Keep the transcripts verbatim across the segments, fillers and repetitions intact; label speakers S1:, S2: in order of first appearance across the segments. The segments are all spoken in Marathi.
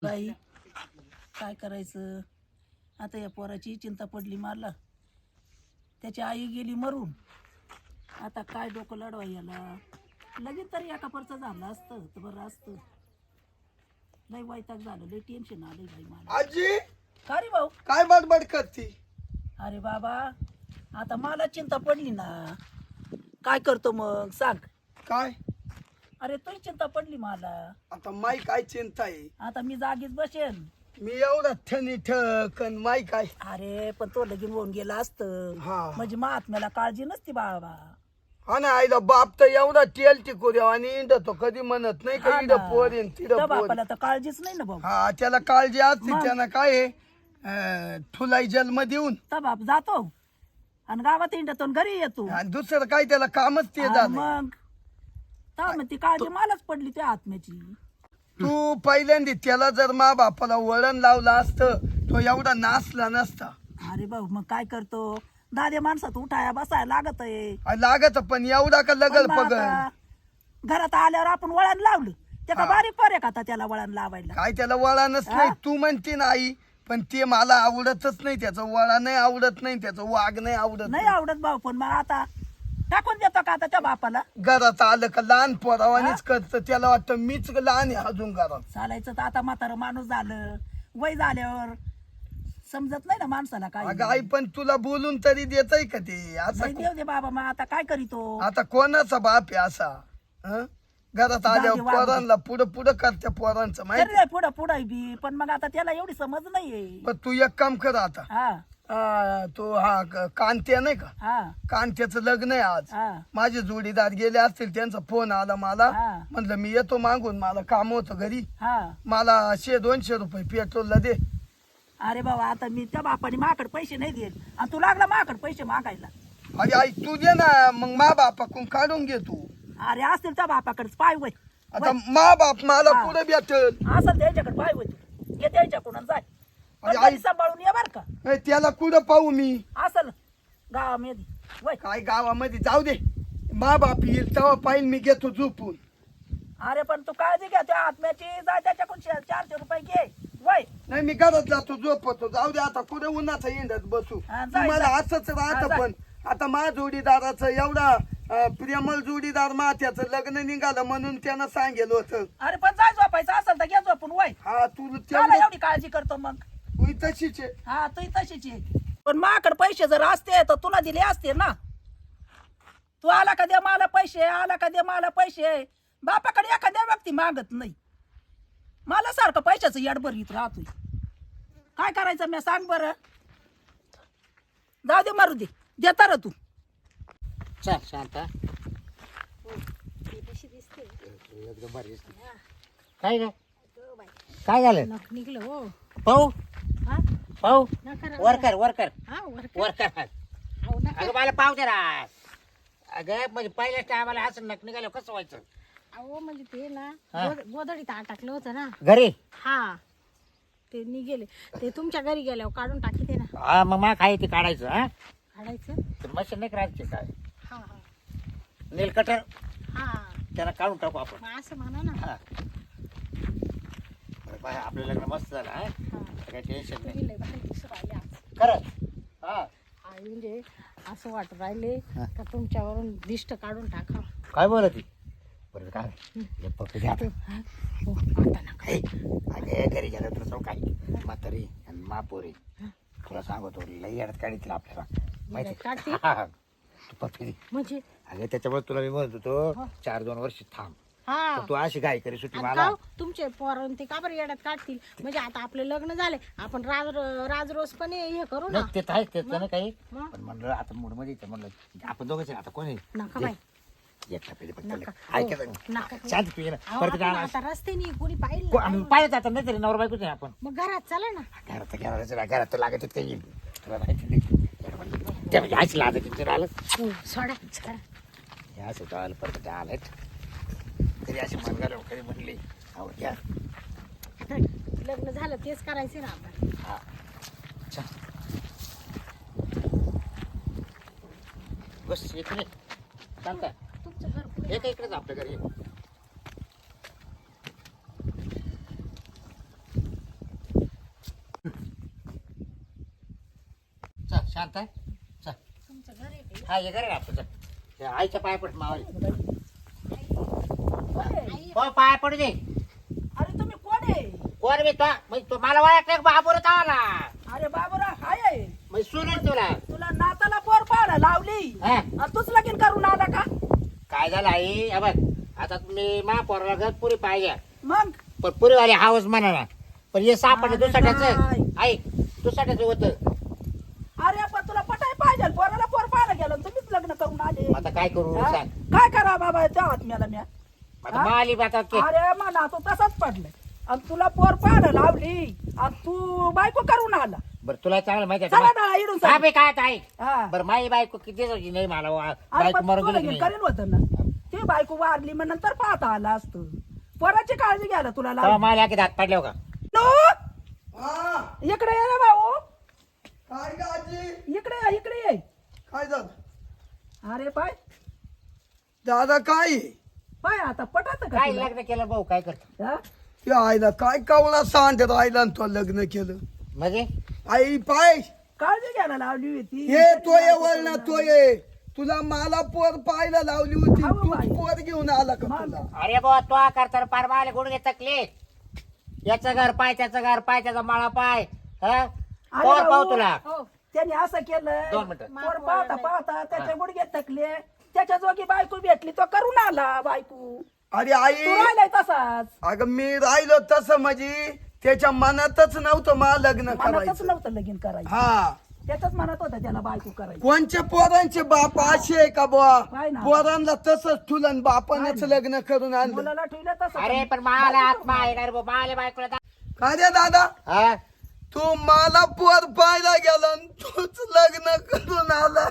S1: बाई काय करायचं आता या पोराची चिंता पडली मला. त्याची आई गेली मरून. आता काय डोकं लढवा याला. लगेच तरी एका परचं झालं असतं तर बरं असतं. लय वैताग झालं, लय टेन्शन आलंय बाई मला.
S2: आजी
S1: का रे भाऊ?
S2: काय बडबड करती?
S1: अरे बाबा आता मला चिंता पडली ना, काय करतो मग सांग.
S2: काय
S1: अरे तुझी चिंता पडली मला.
S2: आता माई काय चिंता आहे?
S1: आता मी जागीच बसेन.
S2: मी एवढा ठनी ठकन माई काय.
S1: अरे पण तो लगीन होऊन गेला असतं
S2: हा.
S1: म्हणजे महात्म्याला काळजी नसती बाबा.
S2: हा ना, आईला बाप तर एवढा तेल टिकू द्या आणि इंडतो कधी म्हणत नाही का
S1: हा
S2: इड
S1: ना.
S2: पोर येईन तिड
S1: त्या
S2: पोर.
S1: बापाला तर काळजीच नाही ना भाऊ.
S2: हा त्याला काळजी असते.
S1: मग?
S2: त्यानं काय आहे, अं, ठुलाई जन्म देऊन
S1: तर बाप जातो आणि गावात इंडतो आणि घरी येतो.
S2: आणि दुसरं काय त्याला कामच ते
S1: आणि
S2: झालं.
S1: मग तर मग ती काळजी मलाच पडली त्या आत्म्याची.
S2: तू पहिल्यांदा त्याला जर मा बापाला वळण लावलं असतं तो एवढा नाचला नसता.
S1: अरे भाऊ मग काय करतो, दादे माणसात उठाया बसायला लागत आहे.
S2: आणि लागत पण एवढा का लगल
S1: पण मग
S2: पगल.
S1: आता घरात आल्यावर आपण वळण लावलं ते का
S2: हा.
S1: बारीक फरक का आता त्याला वळण लावायला.
S2: काय त्याला वळणच नाही.
S1: हा?
S2: तू म्हणते ना आई, पण ते मला आवडतच नाही. त्याचं वळण नाही आवडत नाही, त्याचं वाघ नाही आवडत
S1: नाही आवडत भाऊ. पण मग आता टाकून देतो का आता त्या बापाला.
S2: घरात आलं का लहान पोरावानीच करत. त्याला वाटतं मीच लहान आहे अजून घरात.
S1: चालायचं तर आता म्हातारं माणूस झालं, वय झाल्यावर समजत नाही ना माणसाला काय.
S2: अगं आई पण तुला बोलून तरी देतय का ते असं?
S1: नाही देऊ दे बाबा, मग आता काय करीतो.
S2: आता कोणाचा बाप आहे असा? हं? घरात
S1: जाऊ दे,
S2: आल्यावर
S1: वागू दे.
S2: पोरांना पुढं पुढं करत्या पोरांचं माहिती.
S1: तरी पुढं पुढं बी पण मग आता त्याला एवढी समज नाहीये.
S2: पण तू एक काम कर आता.
S1: हा
S2: आ, तो हा क- कांत्या नाही का,
S1: हा
S2: कांत्याचं लग्न आहे आज.
S1: हा
S2: माझे जोडीदार गेले असतील, त्यांचा फोन आला मला.
S1: हा.
S2: म्हणलं मी येतो मागून, मला काम होतं घरी.
S1: हा.
S2: मला शे दोनशे रुपये पेट्रोलला दे.
S1: अरे बाबा आता मी त्या बापाने माकड पैसे नाही देत आणि तू लागला माकड पैसे मागायला.
S2: अरे आई तू दे ना, मग मा बापाकडून काढून घे तू.
S1: अरे असतील त्या बापाकडेच पाय वय.
S2: आता मा बाप मला
S1: हा.
S2: पुढे भेटल.
S1: असं त्याच्याकडे पाय वय तू घे त्याच्याकडून जाय. पण
S2: अरे
S1: घरी
S2: आई-
S1: सांभाळून ये बर का.
S2: ए, त्याला कुठं पाहू मी?
S1: असल गावामध्ये वय.
S2: काय गावामध्ये जाऊ दे, मा बाप येईल तेव्हा पाहिजे. मी घेतो झोपून.
S1: अरे पण तू काळजी घ्या त्या आत्म्याची. जाय त्याच्याकडून शे- चारशे रुपये घे वय.
S2: नाही मी घरात जातो झोपतो. जाऊ दे आता, कुठे उन्हाचा इंडत बसू.
S1: हा, जाय,
S2: तुम्हाला
S1: जाय.
S2: असंच
S1: हा,
S2: राहत.
S1: जाय.
S2: पण आता मा जोडीदाराचं एवढा अं, प्रेमळ जोडीदार मा, त्याचं लग्न निघालं म्हणून त्यानं सांगेल होतं.
S1: अरे पण जाय झोपायचं असेल तर घे झोपून वय.
S2: हा तू
S1: त्याला
S2: तेवढं
S1: एवढी काळजी करतो मग.
S2: तू तशीच आहे.
S1: हा तू तशीच आहे. पण माकड पैसे जर असते तर तुला दिले असते ना. तू आला का दे मला पैसे, आला का दे मला पैसे. बापाकडे एखाद्या व्यक्ती मागत नाही. मला सारखं पैशाचं येडभरीत राहतोय. काय करायचं मी सांग बरं. जाऊ दे मारू दे, देता र तू.
S3: चल शांत
S4: एकदम भारी दिसते.
S3: काय ग काय झालं
S5: नख निघलं हो.
S3: पाहू
S5: हा?
S3: पाहू
S5: नका राहू
S3: वर
S5: द्या.
S3: कर वर कर
S5: हा, वर कर.
S3: वर कर
S5: अहो, नका.
S3: अगं मला पाहू दे ना. अगं म्हणजे पहिल्याच टायमाला असं नक निघालं कसं व्हायचं?
S5: अहो म्हणजे ते ना
S3: हा.
S5: गोद- गोधडीत अटकलं होतं ना.
S3: घरी
S5: हा ते निघेले. ते तुमच्या घरी गेल्यावर काढून टाकी ते ना.
S3: हा मग मा काय ते काढायचं हा
S5: काढायचं.
S3: तर मशीन नाही करायची काय
S5: हा हा
S3: नेल कटर
S5: हा
S3: त्याला काढून टाकू आपण.
S5: मग असं म्हणा ना.
S3: हा बरं, बाय, आपलं लग्न मस्त झालं हा
S5: हा
S3: काही टेन्शन नाही
S5: तुम्ही लय भारी दिसू राहिले आज.
S3: खरं हा
S5: आई म्हणजे असं वाटत राहिले
S3: हा.
S5: का तुमच्यावरून दिष्ट काढून टाका.
S3: काय बोलत ती बरं काय हे पप्पी घ्या आता.
S5: हा? हो, आता नका.
S3: हे, अगे घरी गेलं तुला सांगू काय म्हातारी आणि मापोरी तुला सांगतो लई अडत काढीतील आपल्याला माहिती
S5: काढतील?
S3: हा, हा. तू पप्पी दे.
S5: म्हणजे
S3: अगे त्याच्यामुळे तुला मी म्हणत होतो चार दोन वर्ष थांब.
S5: हा
S3: पण तू अशी गाय करी सुट्टी
S5: आणि
S3: मला
S5: का हो? तुमचे पोरण ते का बरं येड्यात काढतील. म्हणजे आता आपले लग्न झाले आपण राज राजरोस पण हे करू ना.
S3: नाही, ते तर आहेच त्याचं नाही काही
S5: मग?
S3: पण म्हणलं आता मूड मध्ये येतं म्हणलं आपण दोघंच आहे, आता कोणी
S5: नका बाई.
S3: एकटा पहिले फक्त
S5: नका.
S3: ऐकत
S5: हो, नका.
S3: शांत तू ये ना
S5: अहो,
S3: परत
S5: आपण
S3: काय
S5: आता रस्त्याने कोणी पाहिलं
S3: पाहिजे आता नाही तरी नवरा बायकोच आहे आपण
S5: मग घरात चला ना.
S3: घरात घरात घरात तर लागत काही येईल तुला माहिती नाही त्या म्हणजे आईच लागत तिथे आलं
S5: हो, सोडा सोडा.
S3: या असं आलं परत आलं तरी अशी मन घालून कधी म्हणली आवड घ्या
S5: आता लग्न झालं तेच करायचे ना आपण.
S3: हा छान बस इकडे चालतं
S5: तुमचं घर पुढे.
S3: एक इकडेच आपल्या घरी शांत आहे? चल. हा ये घरी आपलं चल. हे आईच्या पाय पड मावाली हो पाय पडू दे.
S1: अरे तुम्ही कोण आहे?
S3: कोण मी तो म्हणजे तो मला ओळखलं बाबूरच आला
S1: अरे बाबूराव हाय आहे.
S3: म्हणजे सुनेल तुला
S1: तुला नाताला पोर पाहायला लावली
S3: हा
S1: आणि तूच लगीन करून आला का?
S3: काय झालं आई हे बघ आता तुम्ही मा पोराला घर पुरी पाहिजे
S1: मग
S3: पण पुरीवाले हाऊस म्हणा ना पण हे सापडलं
S1: अरे
S3: दुसऱ्याचं
S1: काय?
S3: आई दुसऱ्याचं होतं.
S1: अरे पण तुला पटाय पाहिजे पोराला पोर पाहायला गेलं आणि तुम्हीच लग्न करून आले.
S3: आता काय करू
S1: हा?
S3: सांग.
S1: काय करा बाबा त्या आत्म्याला म्या?
S3: आता माली आता के
S1: अरे मना तो तसाच पडलाय आणि तुला पोर पाहायला लावली आणि तू बायको करून आला.
S3: बरं तुला चांगलं माहिती
S1: चला
S3: आहे
S1: ना इडून
S3: का? हा
S1: चला.
S3: बे काय आता आई
S1: हा.
S3: बरं माई बायको किती दिवसाची नाही मला वा-
S1: अरे
S3: बायको
S1: पण
S3: मरून
S1: तू
S3: गेली
S1: लगीन
S3: नाही
S1: करेल होतं ना ते बायको वारली मग नंतर पाहता आला असतं. पोराची काळजी घ्यायला तुला
S3: तेव्हा
S1: लावली.
S3: मला की दात पडले का
S1: नो,
S2: हा
S1: इकडे ये रे भाऊ,
S2: काय ग आजी
S1: इकडे ये, इकडे ये.
S2: काय झालं
S1: अरे पाय
S2: दादा काय
S1: पाय आता पटात का
S3: काय
S1: तुला?
S3: लग्न केलं भाऊ काय करतो
S1: हा?
S2: या आईला काय कावळा सांगते आईला आणि तो लग्न केलं
S3: म्हणजे
S2: आई पाय
S1: काळजी घ्यायला लावली होती.
S2: हे तो ये वळणा तो ये तुला मला पोर पाहायला लावली होती
S1: हो
S2: तू
S1: बाई.
S2: पोर घेऊन आला का
S1: मग.
S2: तुला
S3: अरे बाबा तो करता पार माले गुडघे तकले याचं घर पाय त्याचं घर पाय त्याचा माळा पाय हा
S1: अरे
S3: पोर पाहू
S1: भाऊ,
S3: तुला
S5: हो
S1: त्याने असं केलं
S3: दोन मिनिटं.
S1: पोर पाहता पाहता त्याचे गुडघे थकले त्याच्या जोगी बायको भेटली तो करून आला बायको.
S2: अरे आई
S1: तू राहिलाय तसाच.
S2: अगं मी राहिलो तसं म्हणजे त्याच्या मनातच नव्हतं मला लग्न
S1: मनातच
S2: करायचं
S1: नव्हतं लगीन करायचं.
S2: हा
S1: त्याच्याच मनात होतं त्याला बायको करायची.
S2: कोणच्या पोरांचे बाप असे आहे का बुवा
S1: काय ना?
S2: पोरांना तसंच ठुलन बापानच
S1: काय ना?
S2: लग्न करून आणलं
S1: मुलाला ठेवलं तसं.
S3: अरे पण मला आत्मा आहे ना रे बाबा माले बायकोला दा-
S2: काय रे दादा
S3: हा
S2: तू मला पोर पाहायला गेला आणि तूच लग्न करून आला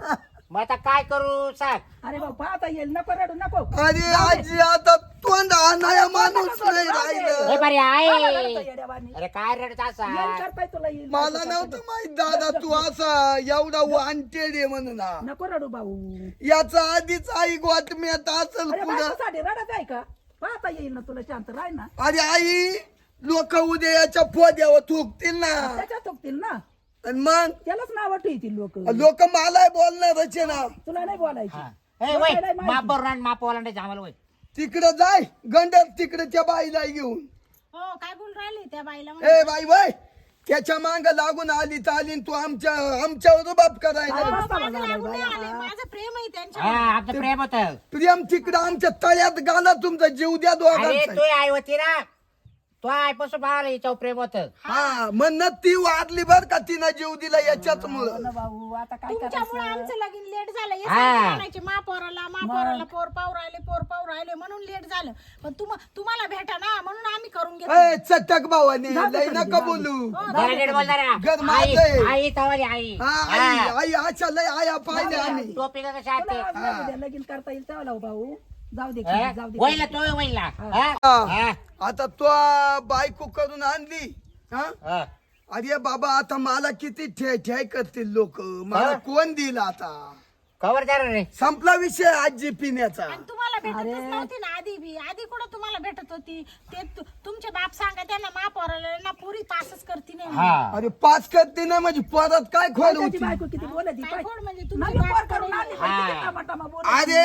S3: मग आता काय करू सांग.
S1: अरे भाऊ पाहता येईल नको रडू नको.
S2: अरे आजी आता तोंड आणाया माणूस नाही
S3: हे
S2: राहिलं
S3: बरे
S1: पाहायला
S3: आहे
S1: रडतं येड्यावानी.
S3: अरे काय रडत असा
S1: येईल करताय तुला येईल.
S2: मला नव्हतं माहित दादा तू असा एवढा वांटेड आहे म्हणून हा.
S1: नको रडू भाऊ.
S2: याचा आधीच आई गोतम्यात असेल
S1: अरे
S2: पुढं
S1: बायकोसाठी रडत आहे का? पाहता येईल ना तुला शांत राह ना.
S2: अरे आई लोक उद्या याच्या पोद्यावर थुकतील ना
S1: त्याच्यात थुकतील ना
S2: आणि मग
S1: त्यालाच नाव ठेवतील लोक.
S2: लोक मला बोलणारच आहे ना
S1: तुला नाही बोलायची.
S3: हा. ए वय
S1: बोलायला माहिती.
S3: माप बरोबर माप ओलांडायचं आम्हाला वय
S2: तिकडं जाय गंडर तिकडे त्या बाईला घेऊन
S5: हो काय बोल राहिले त्या बाईला
S2: ए बाई बाई त्याच्या मांग लागून आली तर आली आणि तू आमच्या आमच्यावर बाप करायला
S1: काय
S5: हो,
S1: बसा
S5: माझं
S1: म्हणाला
S5: लागून
S1: बाई
S5: नाही आले.
S1: आता.
S5: माझं प्रेम आहे त्यांच्या
S3: हा आमचं प्रेम होत अरे
S2: प्रियम तिकडं आमच्या तळ्यात घाला तुमचा जीव द्या दोघांचा
S3: तू आई होती ना तो आईपासून बाळाला याच्यावर प्रेम होत
S2: हा म्हणत ती वाढली बर का तिनं जीव दिला याच्याच
S1: हो
S2: मुळे
S1: ना भाऊ आता काय
S5: तुमच्यामुळे
S1: करायचं?
S5: आमचं लगीन लेट झालं हे
S3: हा.
S5: सारखे म्हणायचे मा पोराला मा पोराला पोर पाव राहिले पोर पाव राहिले म्हणून लेट झालं पण तुम तुम्हाला भेटा ना म्हणून आम्ही करून घेतो
S2: ए चटक भावाने लय नका बोलू
S3: जरा नीट बोल जरा.
S2: घर
S3: आई
S2: माझं
S3: आई तवाली आई
S2: हा आई आई अच्छा लय आया पाहिले आम्ही
S3: टोपी का कशा
S1: तुला
S3: आते
S1: आज नाही उद्या लगीन करता येईल तेव्हा लावू भाऊ. जाऊ दे
S3: हा?
S1: जाऊ दे.
S3: वहिला तो वहिला हा?
S2: हा.
S3: हा.
S2: आता तो बायको करून आणली हा
S3: हा.
S2: अरे बाबा आता मला किती ठे ठे करतील लोक मला
S3: हा?
S2: कोण दिल आता
S3: कवर द्या रे
S2: संपला विषय आजी पिण्याचा
S5: आणि तुम्हाला भेटतच नव्हती ना आधी बी आधी कुठं तुम्हाला भेटत होती ते तु- तुमचे बाप सांगा त्यांना मा पोराला ना पुरी पासच करती नाही
S3: हा
S2: अरे पाच करते ना म्हणजे परत काय खोड
S1: त्याची
S2: होती
S1: बायको किती बोलत
S5: काय खोड म्हणजे तुमचे
S1: नवीन
S5: बाप
S1: पोर करून
S5: कडे-
S1: आणली पण किती
S3: हा.
S1: टमाटमा बोलत.
S2: अरे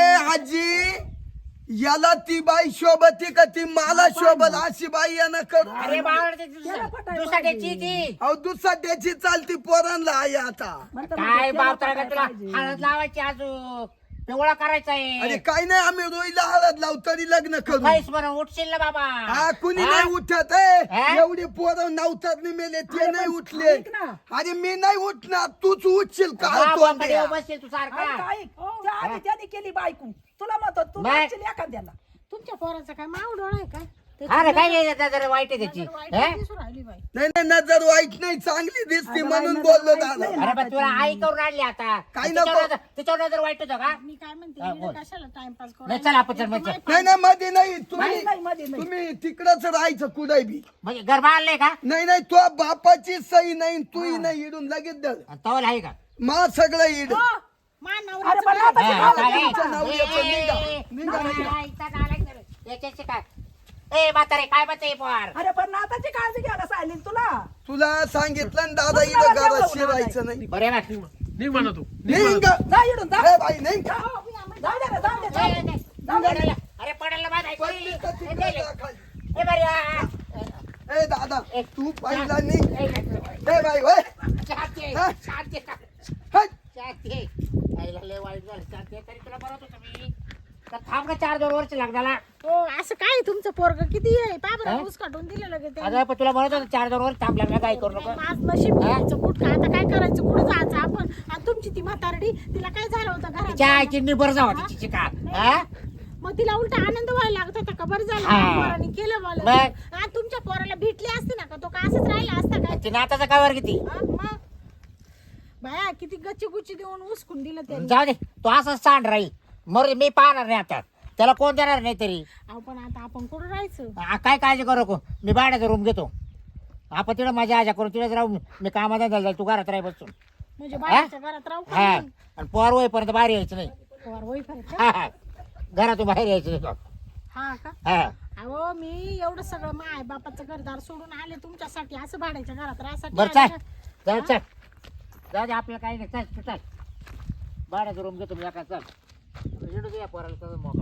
S2: आजी याला ती बाई शोभती का ती मला शोभल अशी बाई यानं करू
S3: अरे बाळ
S1: त्याला पटायला
S3: दुसऱ्याची ती
S2: अहो दुसरा त्याची चालती पोरांना आई आता
S1: म्हणतं
S3: काय
S1: म्हणजे त्याला
S3: बाप तर
S1: पटायला
S3: तुला
S1: पाहिजे.
S3: हळद लावायची अजून पिवळा करायचा
S2: अरे
S3: आहे
S2: काही नाही आम्ही रोईला हळद लावू तरी लग्न करू
S3: काहीच म्हणून उठशील ना बाबा
S2: हा कुणी
S3: हा?
S2: नाही उठत ए.
S3: हा?
S2: एवढे पोरं नवतात मेले ते
S1: अरे
S2: नाही
S1: पण
S2: उठले
S1: ऐक ना.
S2: अरे मी नाही उठणार तूच उठशील का
S3: हा,
S2: तोंड
S3: बापाने
S2: द्या.
S3: उभं बसशील तू सारखा
S1: ऐक, ऐक. त्या आधी त्याने केली बायको तुला म्हणतो तू
S3: बाय.
S1: मागशील एखाद्याला.
S5: तुमच्या पोराचा काय माव डोळा आहे का
S3: हा रे काय नाही जरा वाईट आहे त्याची
S5: नजर वाईट
S3: हा?
S5: दिसून राहिली बाई
S2: नाही नाही नजर वाईट नाही चांगली दिसते
S1: अगं
S2: म्हणून
S1: बाई,
S2: बोललो
S1: नजर वाईट
S2: दादा
S1: नाही.
S3: अरे पण तुला आई करून आणली आता
S2: काही
S3: तिच्यावर
S2: नको.
S3: नजर- तिच्यावर नजर वाईट होतं का
S5: मी काय म्हणते
S3: हा,
S5: मी
S3: बोल.
S5: कशाला टाइमपास करू
S3: नाही चल आपण चल मग चल.
S2: नाही नाही मध्ये नाही तुम्ही
S1: नाही, नाही, मध्ये नाही.
S2: तुम्ही तिकडच राहायचं कुठे बी
S3: म्हणजे घर बांधलंय का
S2: नाही नाही तो बापाची सही नाही तूही नाही इडून लगेच धर
S3: आणि तवल आहे का
S2: मा सगळं इड
S5: हो, मा
S1: अरे
S5: नवऱ्याचं
S1: पण
S5: काय?
S1: आता
S3: हा,
S1: शिकावं
S3: काय?
S1: लागतं.
S2: तुमचं नाव याचं निघा. निघा,
S3: हा,
S2: निघा.
S3: इथं नालायक झालं. याच्याशी काय ए म्हातारे काय म्हणते पोर
S1: अरे पण नाताची काळजी घ्यायला सांगितली तुला.
S2: तुला सांगितलं ना दादा
S1: तुला
S2: इथं
S1: जेवढं
S2: घरात
S1: होणार
S2: शिरायचं नाही
S3: बरे ना
S6: निघ म्हणा तू
S2: निघ
S1: जा इडून जा
S2: ए बाई निघ
S1: जाऊ दे रे, जाऊ दे, जाऊ दे.
S3: पडायला- अरे पडायला बाद आहे.
S2: पडली तर
S3: ए,
S2: तिकडे
S3: गेले.
S2: जा खाली.
S3: ए, बरी आहे.
S2: ए दादा
S3: ए,
S2: तू पहिला निघ
S3: ए,
S2: ए बाई होय
S3: शांती
S2: हा?
S3: शांती
S2: हट.
S3: शांती आईला लय वाईट झालं शांती तरी तुला बरं होतं मी तर थांब का चार दोन वर्ष लागला
S5: हो असं काय तुमचं पोरग किती आहे पाबरा
S3: हा?
S5: ऊस काढून दिलं लगे ते
S3: अगं पण तुला म्हणत होतं चार दोन वर्ष थांब लागला काय करू नको
S5: माझ नशीब घ्यायचं कुठं आता काय करायचं कुठं जायचं आपण आणि तुमची ती म्हातारडी तिला काय झालं होतं
S3: तिच्या
S5: घरात
S3: आईची निबर जावा तिची का हा?
S5: मग तिला उलटा आनंद व्हायला लागत होता का बरं झालं
S3: हा.
S5: माझ्या पोराने केलं
S3: मग?
S5: मला हा, तुमच्या पोराला भेटली असती ना का तो का असंच राहिला असता काय
S3: ती नाताचा काय वर किती
S5: हा, मग बाया किती गच्ची गुच्ची देऊन उचकून दिलं त्यांनी
S3: जाऊ दे तो असंच सांड राहील मग मी पाहणार नाही आता त्याला कोण देणार नाही तरी
S5: अहो पण आता आपण कुठं राहायचं
S3: आ, काय काळजी करू नको मी भाड्याचा रूम घेतो आपण तिकडे माझ्या आजा करू तिकडेच राहू मी कामाला जाईल तू घरात राही बसून
S5: म्हणजे बाहेरच्या घरात राहू का
S3: हा
S5: नाही?
S3: आणि पोर होईपर्यंत बाहेर यायचं नाही
S5: पोर होईपर्यंत का?
S3: हा हा घरातून बाहेर यायचं नाही तो.
S5: हा का
S3: हा
S5: अहो मी एवढं सगळं माय बापाचं घरदार सोडून आले तुमच्यासाठी असं भाड्याच्या घरात राहायसाठी
S3: बरं
S5: आले
S3: चल
S5: का?
S3: जाऊ चल जाऊ दे आपल्याला काही नाही चल तू चल भाड्याचा रूम घेतो मी एका चल इकडे या पोराला चल मोकळा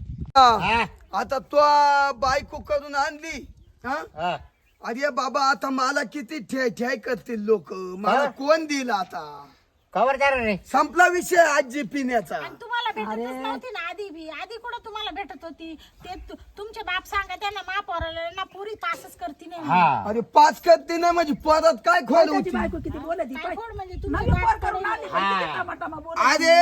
S3: हा
S2: आता तो बायको करून आणली हा
S3: हा
S2: अरे बाबा आता मला किती ठ्याय ठ्याय करतील लोक मला
S3: हा?
S2: कोण देईल आता
S3: कवर द्या रे
S2: संपला विषय आजी पिण्याचा
S5: आणि तुम्हाला भेटतच नव्हती ना आधी बी आधी कुठं तुम्हाला भेटत होती ते तु- तुमचे बाप सांगा त्यांना मा पोराला ना पुरी पासच करती नाही
S3: हा
S2: अरे पाच करते ना म्हणजे परत काय खोल
S1: त्याची
S2: होती
S1: बायको किती बोलती
S5: काय
S1: पाय.
S5: खोड म्हणजे तुमचे
S1: नवीन
S5: बाप
S1: पोर करून
S5: करून-
S1: आली पण
S3: हा.
S1: किती टमाटमा बोलत.
S2: अरे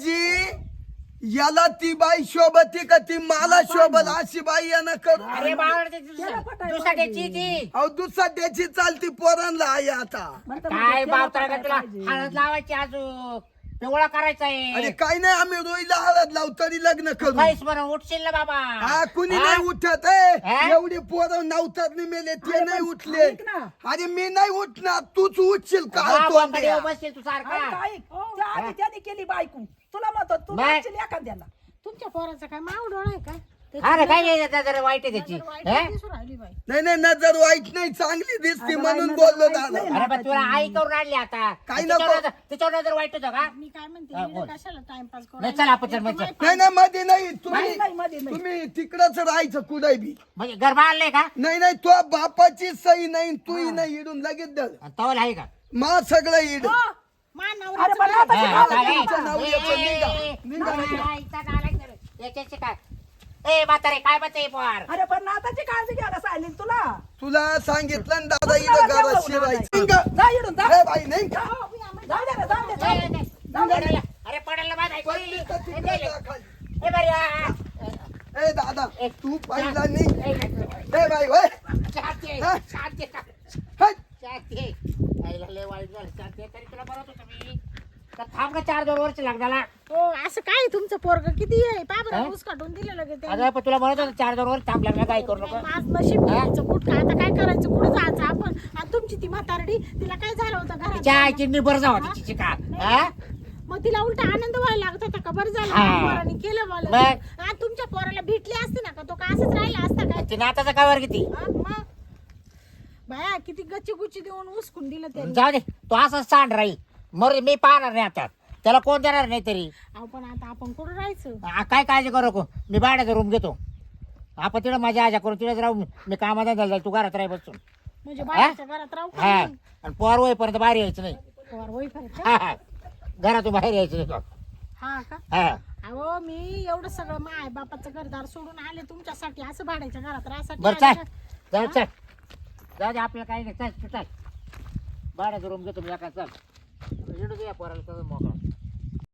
S2: आजी याला ती बाई शोभती का ती मला शोभल अशी बाई यानं करू
S3: अरे बावळ
S1: त्याला पटायला
S3: दुसऱ्याची ती
S2: अहो दुसरा त्याची चालती पोरांना आहे आता
S1: म्हणतं
S3: काय
S1: म्हणते, त्याला
S3: बाप तुला
S1: पटायला पाहिजे.
S3: हळद लावायची अजून पिवळा करायचा
S2: अरे
S3: आहे
S2: काही नाही आम्ही रोईला हळद लावू तरी लग्न करू
S3: काहीच बरं उठशील ना बाबा
S2: हा कुणी
S3: हा?
S2: नाही उठत आहे
S3: हा?
S2: एवढी पोरं नवतात मेले ते
S1: अरे
S2: नाही
S1: पण
S2: उठले
S1: ऐक ना.
S2: अरे मी नाही उठणार तूच उठशील
S3: हा,
S2: काय
S3: बोंबाडे
S2: तो
S3: बसशील तू
S1: अरे
S3: सारखा
S1: काय? त्या आधी त्याने केली बायको तुला म्हणतो तू
S3: मग?
S1: लागशील एखाद्याला
S5: तुमच्या पोराचा काय माव डोळा आहे का
S3: हा रे काय नाही त्याचा जरा वाईट आहे त्याची
S5: नजर वाईट
S3: हा?
S5: दिसून राहिली बाई
S2: नाही नाही नजर वाईट नाही चांगली दिसते
S1: अगं
S2: म्हणून
S1: बाई,
S2: बोललो
S1: नजर वाईट
S2: दादा
S1: नाही.
S3: अरे पण तुला आई करून आणली आता
S2: काही
S3: तिच्यावर
S2: नको.
S3: नजर- तिच्यावर नजर वाईट होतं का
S5: मी काय म्हणते
S3: हा,
S5: इकडे
S3: बोल.
S5: कशाला टाइमपास करू
S3: नाही चल आपण चल मग चल.
S2: नाही नाही मध्ये नाही
S1: नाही,
S2: तुम्ही
S1: नाही, मध्ये नाही.
S2: तुम्ही तिकडच राहायचं कुठे बी
S3: म्हणजे गरबा आणलंय का
S2: नाही नाही तो बापाची सही नाही तूही नाही इडून लगेच दर
S3: आणि तवल आहे का
S2: मा सगळं इड
S5: मा
S1: अरे
S5: नवऱ्याचं
S1: पण
S5: काय?
S1: आता
S3: हा,
S1: शिकावं
S3: चालेल.
S2: तुमचं नाव
S3: ए,
S2: याचं
S3: ए,
S2: निघा.
S3: ए,
S2: निघा,
S3: ए,
S2: निघा.
S3: आईचा नालायक जरा. याच्याशी काय ए म्हातारे काय म्हणते पोर
S1: अरे पण नाताची काळजी घ्यायला सांगितली तुला
S2: तुला सांगितलं ना दादा
S1: तुला
S2: इथं घरात
S1: तेवढं
S2: शिरायचं
S1: होणार नाही. जा इडून जा
S2: ए बाई नाही का?
S1: जाऊ दे रे, जाऊ दे, जाऊ दे.
S3: पडायला अरे पडायला बाद आहे.
S2: पडली तर
S3: ए,
S2: तिकडे
S3: गेले.
S2: जा खाली.
S3: ए, बरी आहे.
S2: ए दादा
S3: ए,
S2: तू पहिला निघ
S3: ए,
S2: ए बाई होय
S3: शांती
S2: हा?
S3: शांती
S2: हट.
S3: शांती आईला लय वाईट झालं शांती तरी तुला बरं होतं मी तर थांब का चार दोन वर्ष लागला
S5: हो असं काय तुमचं पोरग किती आहे पाबरा
S3: हा?
S5: ऊस काढून दिलं लगे ते
S3: अगं पण तुला म्हणत होतं चार दोन वर्ष थांब लागला काय करू नको
S5: माझ नशीब घ्यायचं कुठं आता काय करायचं कुठं जायचं आपण आणि तुमची ती म्हातारडी तिला काय झालं होतं
S3: तिच्या
S5: घरात
S3: आईची निबर जावा तिची का हा?
S5: मग तिला उलटा आनंद व्हायला लागत होता का बरं झालं
S3: हा.
S5: माझ्या पोराने केलं मला
S3: मग?
S5: आणि तुमच्या पोराला भेटली असती ना का तो का असंच राहिला असता काय
S3: ती नाताचा काय वर किती
S5: हा, मग बाया किती गच्ची गुच्ची देऊन उचकून दिलं त्यांनी
S3: जाऊ दे तो असंच सांड राहील मग मी पाहणार नाही आता त्याला कोण देणार नाही तरी
S5: अहो पण आता आपण कुठं राहायचं
S3: आ, काय काळजी करू नको मी भाड्याचा रूम घेतो आपण तिकडे माझ्या आजा करू तिकडेच राहू मी कामाला जाईल तू घरात राही बसून
S5: म्हणजे बाहेरच्या घरात राहू का
S3: हा
S5: नाही?
S3: आणि पोर होईपर्यंत बाहेर यायचं नाही
S5: पोर होईपर्यंत का?
S3: हा हा घरातून बाहेर यायचं नाही तो.
S5: हा का
S3: हा
S5: अहो मी एवढं सगळं माय बापाचं घरदार सोडून आले तुमच्यासाठी असं भाड्याच्या घरात राहायसाठी
S3: बरं
S5: आले
S3: चल
S5: का?
S3: जाऊ चल जाऊ दे आपल्याला काही नाही चल तू चल भाड्याचा रूम घेतो मी एका चल इकडे या पोराला चल मोकळा